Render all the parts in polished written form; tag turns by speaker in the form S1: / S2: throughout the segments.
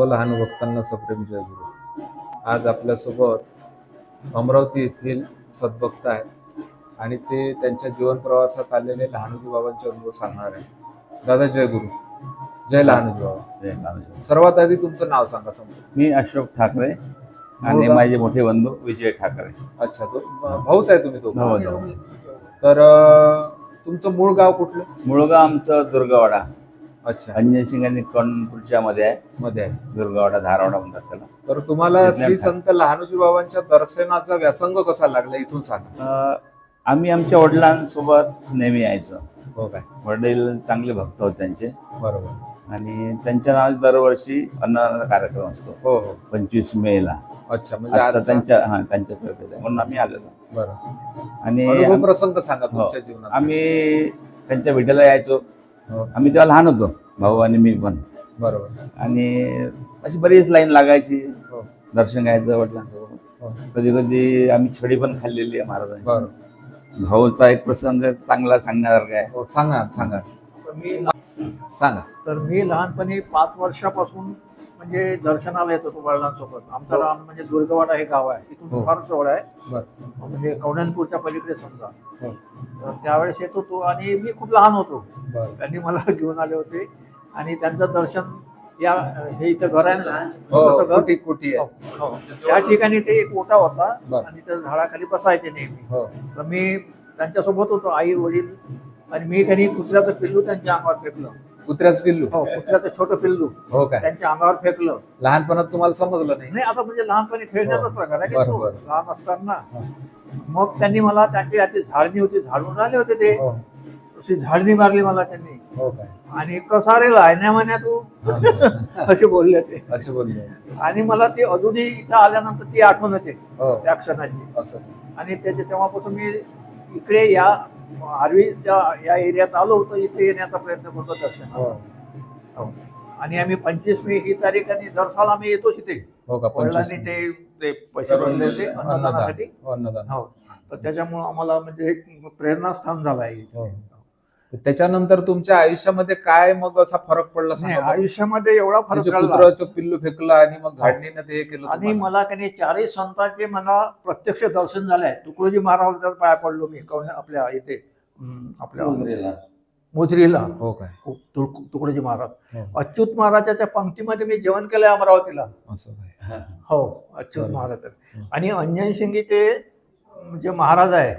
S1: लहान भक्तांना सप्रेम जय गुरु. आज आपल्यासोबत अमरावती येथील सद्भक्त आहेत आणि ते त्यांच्या जीवन प्रवासात आलेले लहानोजी बाबांचे अनुभव सांगणार आहे. दादा जय गुरु. जय लहानोजी बाबा.
S2: जय लहानोजी.
S1: सर्वात आधी तुमचं नाव सांगा. समोर
S2: मी अशोक ठाकरे आणि माझे मोठे बंधू विजय ठाकरे.
S1: अच्छा, तो भाऊच आहे तुम्ही? तो
S2: भाऊ.
S1: तर तुमचं मूळ गाव कुठलं?
S2: मूळ गाव आमचं दुर्गवाडा.
S1: अच्छा,
S2: अंजनसिंग आणि कोणपूरच्या मध्ये आहे. दुर्गवाडा धारवाडा म्हणतात त्याला.
S1: तर तुम्हाला श्री संत लहानोजी बाबांच्या दर्शनाचा व्यासंग कसा लागला इथून सांगा.
S2: आम्ही आमच्या वडिलांसोबत नेहमी यायचो.
S1: हो काय?
S2: वडील चांगले भक्त होते त्यांचे.
S1: बरोबर.
S2: आणि त्यांच्या नावात दरवर्षी अन्नदानाचा कार्यक्रम असतो.
S1: हो हो.
S2: 25 मेला.
S1: अच्छा, म्हणजे
S2: त्यांच्यातर्फे म्हणून आम्ही आलेलो.
S1: बरं.
S2: आणि
S1: प्रसंग सांगा तुमच्या जीवनात.
S2: आम्ही त्यांच्या भेटीला यायचो.
S1: हो.
S2: आम्ही तेव्हा लहान होतो, भाऊ आणि मी पण.
S1: बरोबर.
S2: आणि अशी बरीच लाईन लागायची.
S1: हो.
S2: दर्शन घ्यायचं वडिलांसोबत.
S1: हो.
S2: कधी कधी आम्ही छडी पण खाल्लेली आहे महाराजांची.
S1: बरोबर.
S2: भाऊचा एक प्रसंग चांगला सांगण्यासारखा आहे.
S1: हो, सांगा सांगा सांगा.
S3: तर मी लहानपणी 5 वर्षापासून म्हणजे दर्शनाला येत होतो वडिलांसोबत. आमचं
S1: हो.
S3: रान म्हणजे दुर्गवाडा हे गाव आहे,
S1: हो.
S3: इथून फार जवळ आहे.
S1: बरं.
S3: म्हणजे कवण्यांपूरच्या पलीकडे समजा.
S1: हो.
S3: तर त्यावेळेस येत होतो आणि मी खूप लहान होतो.
S1: बरं.
S3: त्यांनी मला घेऊन आले होते आणि त्यांचं दर्शन या हे इथं घर आहे ना,
S1: हो,
S3: छोटंसं घर.
S1: कुटी कुटी आहे.
S3: हो. त्या ठिकाणी ते एक ओटा होता
S1: बरं.
S3: आणि त्या झाडाखाली बसायचे नेहमी.
S1: हो.
S3: तर मी त्यांच्यासोबत होतो, आई वडील आणि मी. त्यांनी कुत्र्याचं पिल्लू त्यांच्या अंगावर फेकलं.
S1: कुत्र्याचं पिल्लू?
S3: हो, कुत्र्याचं छोटं पिल्लू
S1: हो काय?
S3: त्यांच्या अंगावर फेकलं.
S1: लहानपणात तुम्हाला समजलं नाही?
S3: नाही, आता म्हणजे लहानपणी खेळण्याचाच प्रकार आहे की तो,
S1: बरोबर.
S3: लहान असताना.
S1: हो.
S3: मग त्यांनी मला, त्यांची हाती झाडणी होती, झाडून राहिले होते ते.
S1: हो.
S3: तशी झाडणी मारली मला त्यांनी.
S1: हो काय?
S3: आणि कसा रे लायण्या म्हण्या तू असे बोलले ते.
S1: असे बोलले.
S3: आणि मला ते अजूनही इथं आल्यानंतर ती आठवण येते
S1: हो.
S3: त्या क्षणाची.
S1: असं.
S3: आणि तेव्हापासून मी इकडे या आर्वीच्या या एरियात आलो होतो, इथे येण्याचा प्रयत्न करतो दर्शन.
S1: हो.
S3: हो. आणि आम्ही 25 मे ही तारीख आणि दर साल आम्ही येतोच इथे.
S1: हो का?
S3: वडिलांनी ते पैसे भरले होते अन्नदानासाठी.
S1: अन्नदान.
S3: हो. तर त्याच्यामुळे आम्हाला म्हणजे एक प्रेरणास्थान झालं आहे.
S1: हो. तर त्याच्यानंतर तुमच्या आयुष्यामध्ये काय मग असा फरक पडला
S3: नाही,
S1: सांगा?
S3: आयुष्यामध्ये एवढा फरक
S1: म्हणजे
S3: पडला.
S1: कुत्र्याचं पिल्लू फेकलं आणि मग झाडणीने ते हे केलं
S3: आणि
S1: तुम्हाला?
S3: मला काही 4ही संतांचे मला प्रत्यक्ष दर्शन झालंय. तुकडोजी महाराजांच्या पाया पडलो मी आपल्या इथे आपल्या मोजरीला.
S1: हो काय?
S3: तुकडोजी महाराज.
S1: हो.
S3: अच्युत महाराजाच्या पंक्तीमध्ये मी जेवण केलंय अमरावतीला.
S1: असं काय?
S3: हो, अच्युत
S1: बरोबर.
S3: महाराज. आणि अंजन सिंगीचे जे महाराज आहे,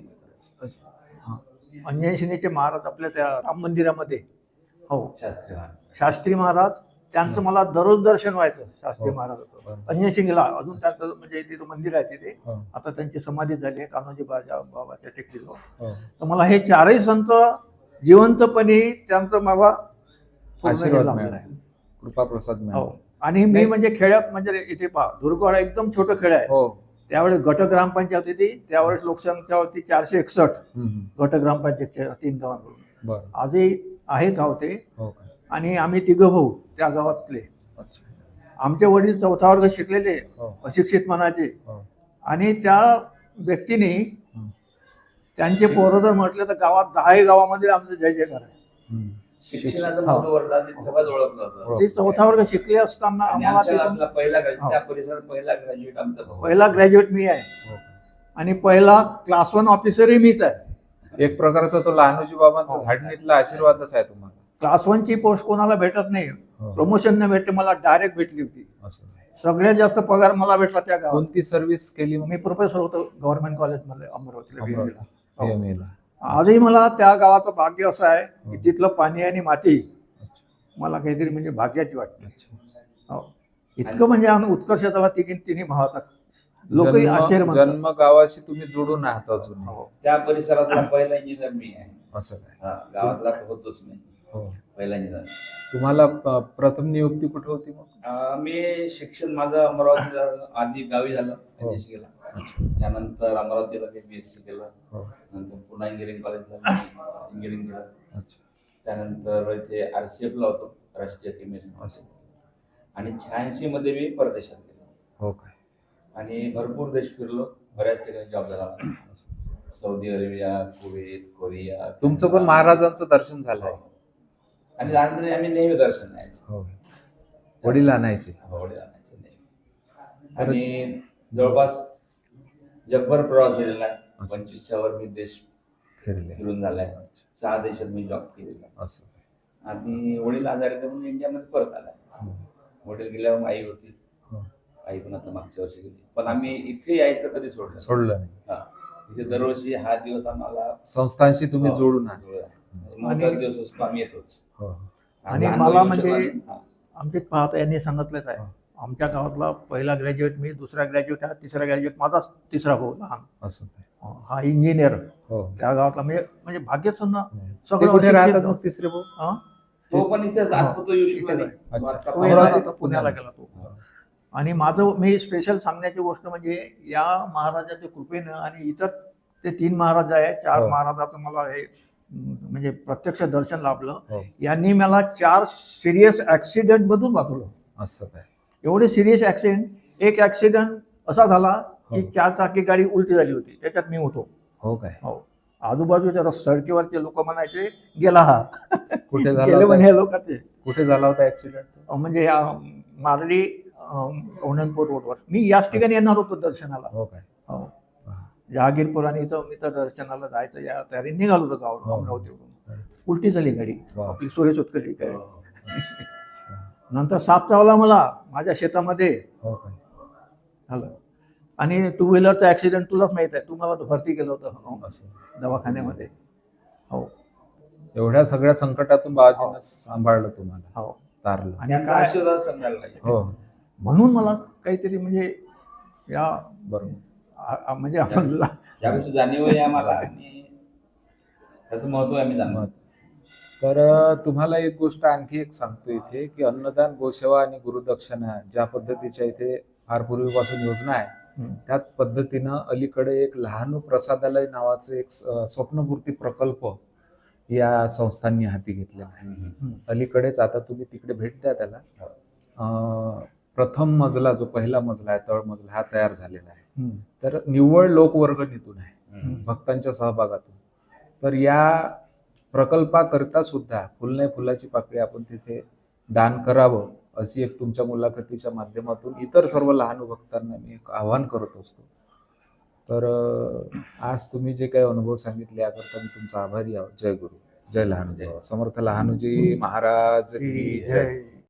S3: अंजन सिंगीचे महाराज आपल्या त्या राम मंदिरामध्ये. हो, शास्त्री महाराज. त्यांचं मला दररोज दर्शन व्हायचं. शास्त्री
S1: हो.
S3: महाराजाचं अंजन सिंगीला अजून त्यांचं म्हणजे तिथं मंदिर आहे तिथे.
S1: हो.
S3: आता त्यांची समाधी झाली आहे कान्होजी बाबाच्या टेकडीवर.
S1: हो.
S3: तर मला हे 4ही संत जिवंतपणे त्यांचं मला पूर्ण हे
S1: आशीर्वाद
S3: लाभलेलं
S1: मिळाला.
S3: आहे.
S1: कृपा प्रसाद
S3: हो.
S1: मिळाला.
S3: आणि मी म्हणजे खेड्यात म्हणजे इथे पहा, दुर्गवाडा एकदम छोटं खेळ आहे.
S1: हो.
S3: त्यावेळेस गट ग्रामपंचायत होती. त्यावेळेस लोकसंख्या होती 461 गट ग्रामपंचायतच्या 3 गावांकडून.
S1: बरं.
S3: आजही आहे गाव ते.
S1: हो काय?
S3: आणि आम्ही 3 भाऊ त्या गावातले.
S1: अच्छा.
S3: आमचे वडील 4था वर्ग शिकलेले,
S1: हो.
S3: अशिक्षित म्हणायचे.
S1: हो.
S3: आणि त्या व्यक्तीने त्यांचे पोरं जर म्हटले तर गावात 10ही गावामध्ये आमचं जय जयकार आहे.
S2: शिक्षणाचं
S3: हो.
S2: मोठं वरदान तेव्हाच ओळखलं होतं.
S3: ते 4था वर्ग शिकले असताना
S2: आणि
S3: आम्हाला
S2: आमच्या
S3: तिथून
S2: गावातला पहिला
S3: हो.
S2: त्या परिसरात पहिला ग्रॅज्युएट आमचा भाऊ.
S3: पहिला ग्रॅज्युएट मी आहे.
S1: हो.
S3: आणि पहिला क्लास 1 ऑफिसरही मीच आहे.
S1: एक प्रकारचा तो लहानोजी बाबांचा
S3: हो.
S1: झाडणीतला आशीर्वादच आहे तुम्हाला.
S3: क्लास 1 ची पोस्ट कोणाला भेटत नाही.
S1: हो.
S3: प्रमोशन न भेटते, मला डायरेक्ट भेटली होती.
S1: असं काय?
S3: सगळ्यात जास्त पगार मला भेटला त्या गावात.
S1: कोणती सर्व्हिस केली मग?
S3: मी प्रोफेसर होतो गव्हर्नमेंट कॉलेजमध्ये अमरावतीला.
S1: अमरावती.
S3: हो.
S1: AMA ला.
S3: आजही मला त्या गावाचं भाग्य असं आहे की
S1: हो.
S3: तिथलं पाणी आणि माती
S1: अच्छा.
S3: मला काहीतरी म्हणजे भाग्याची वाटते.
S1: अच्छा.
S3: हो. इतकं म्हणजे आम्ही उत्कर्ष झाला तिन्ही भावाचा. लोकही आश्चर्य म्हणतात.
S1: जन्म गावाशी तुम्ही जोडून आहात अजून.
S3: हो.
S2: त्या परिसरातला पहिला इंजिनियर मी आहे.
S1: असं काय?
S2: गावातला होतोच मी
S1: हो.
S2: पहिला इंजिनियर.
S1: तुम्हाला प्रथम नियुक्ती कुठे होती मग?
S2: मी शिक्षण माझं अमरावतीला आधी गावी झालं.
S1: हो.
S2: केलं. त्यानंतर अमरावतीला मी BSc केलं.
S1: हो.
S2: नंतर पुन्हा इंजिनिअरिंग कॉलेजला इंजिनिअरिंग केलं.
S1: अच्छा.
S2: त्यानंतर इथे RCF ला होतो, राष्ट्रीय केमिस्ट.
S1: असं.
S2: आणि 86 मध्ये मी परदेशात गेलो.
S1: हो काय?
S2: आणि भरपूर देश फिरलो. बऱ्याच ठिकाणी जॉब झाला माझा. Saudi Arabia, Kuwait, Korea.
S1: तुमचं पण महाराजांचं दर्शन झालंय?
S2: आणि लहानपणी आम्ही नेहमी दर्शन न्यायचो.
S1: हो. वडील आणायचे.
S2: वडील आणायचे नाही. आणि जवळपास जगभर प्रवास झालेला आहे.
S1: असं.
S2: 25च्या वर मी देश
S1: फिरले
S2: फिरून झालाय. 6 देशात मी जॉब केलेला आहे.
S1: असं.
S2: आणि वडील आजारी होते म्हणून इंडियामध्ये परत आलाय.
S1: हं.
S2: वडील गेल्यावर आई होती.
S1: हं.
S2: आई पण आता मागच्या वर्षी गेली. पण आम्ही इथे यायचं कधी सोडलं नाही.
S1: सोडलं नाही.
S2: हा. इथे दरवर्षी हा दिवस आम्हाला
S1: संस्थांशी तुम्ही जोडून आहात.
S2: जुळला आहे. महत्त्वाचा दिवस असतो, आम्ही येतोच.
S1: हो.
S3: आणि
S2: लहान
S3: मला
S2: मुलं
S3: म्हणजे
S2: हा.
S3: आमचे पाहता यांनी सांगितलंच आहे, आमच्या गावातला पहिला ग्रॅज्युएट मी, दुसरा ग्रॅज्युएट हा, तिसरा ग्रॅज्युएट माझा तिसरा भाऊ लहान,
S1: असं ते.
S3: हा इंजिनियर
S1: हो.
S3: त्या गावातला. म्हणजे भाग्यच ना
S1: ते
S3: सगळं
S1: कुठे
S3: अशिक्षित
S1: राहतात
S3: गाव.
S1: मग तिसरे भाऊ?
S3: हा?
S2: तो पण इथेच आत्मतो येऊ शकला नाही.
S1: अच्छा.
S2: आता
S3: तो
S1: अमरावतीत,
S3: येणार आता पुण्याला गेला तो. आणि माझं मी स्पेशल सांगण्याची गोष्ट म्हणजे या महाराजाच्या कृपेनं आणि इतर ते 3 महाराज आहे, 4
S1: हो.
S3: महाराजाचं मला हे म्हणजे प्रत्यक्ष दर्शन लाभलं.
S1: हो.
S3: यांनी मला 4 सिरियस ऍक्सिडेंट मधून वाचवलं.
S1: असं काय?
S3: एवढे सिरियस ऍक्सिडेंट. एक ऍक्सिडेंट असा झाला की
S1: हो.
S3: 4 चाकी गाडी उलटी झाली होती, त्याच्यात मी होतो.
S1: हो काय?
S3: हो. आजूबाजूच्या सडकीवरचे लोक म्हणायचे गेला हा.
S1: कुठे झाला
S3: गेले
S1: होता?
S3: म्हणे लोक ते.
S1: कुठे झाला होता ऍक्सिडेंट?
S3: म्हणजे मारली औनंदपूर रोडवर. मी याच ठिकाणी येणार होतो दर्शनाला.
S1: हो काय?
S3: हो.
S1: हा.
S3: जहागीरपूर आणि इथं मी तर दर्शनाला जायचं या तयारी निघालो होतो गावावरून,
S1: हो.
S3: अमरावतीवरून. उलटी झाली गाडी,
S1: वा.
S3: आपली सुरेश उत्कलची गाडी.
S2: हो.
S3: नंतर साप चावला मला माझ्या शेतामध्ये
S1: हो काय?
S3: झालं. आणि 2 व्हीलरचा ऍक्सिडेंट तुलाच माहित आहे, तू मला भरती केलं होतं
S1: असं.
S3: दवाखान्यामध्ये. हो.
S1: एवढ्या सगळ्या संकटातून बाबाजीनं सांभाळलं तुम्हाला,
S3: हो.
S1: तारलं.
S3: आणि
S2: त्यांचा
S3: काय
S2: आशीर्वाद सांगायला पाहिजे.
S1: हो.
S3: म्हणून मला काहीतरी म्हणजे या
S1: बरोबर.
S3: म्हणजे आपण
S2: या गोष्टी जाणीव आहे आम्हाला आणि त्याचं महत्व आम्ही जाणतो.
S1: तर तुम्हाला एक गोष्ट आणखी एक सांगतो इथे, की अन्नदान, गोसेवा आणि गुरुदक्षिणा ज्या पद्धतीच्या इथे फार पूर्वीपासून योजना आहे, त्याच पद्धतीनं अलीकडे एक लहानू प्रसादालय नावाचं एक स्वप्नपूर्ती प्रकल्प या संस्थांनी हाती घेतलेला आहे. अलीकडेच आता तुम्ही तिकडे भेट द्या त्याला. प्रथम मजला, जो पहिला मजला आहे, तळमजला, हा तयार झालेला आहे. तर निव्वळ लोकवर्गणीतून आहे, भक्तांच्या सहभागातून. तर या प्रकल्पाकरिता सुद्धा फुल नाही फुलाची पाकळी आपण तिथे दान करावं, अशी एक तुमच्या मुलाखतीच्या माध्यमातून इतर सर्व लहान भक्तांना मी एक आवाहन करत असतो. तर आज तुम्ही जे काही अनुभव सांगितले याकरता मी तुमचा आभारी आहोत. जय गुरु, जय लहानूजी. समर्थ लहानूजी महाराज की जय.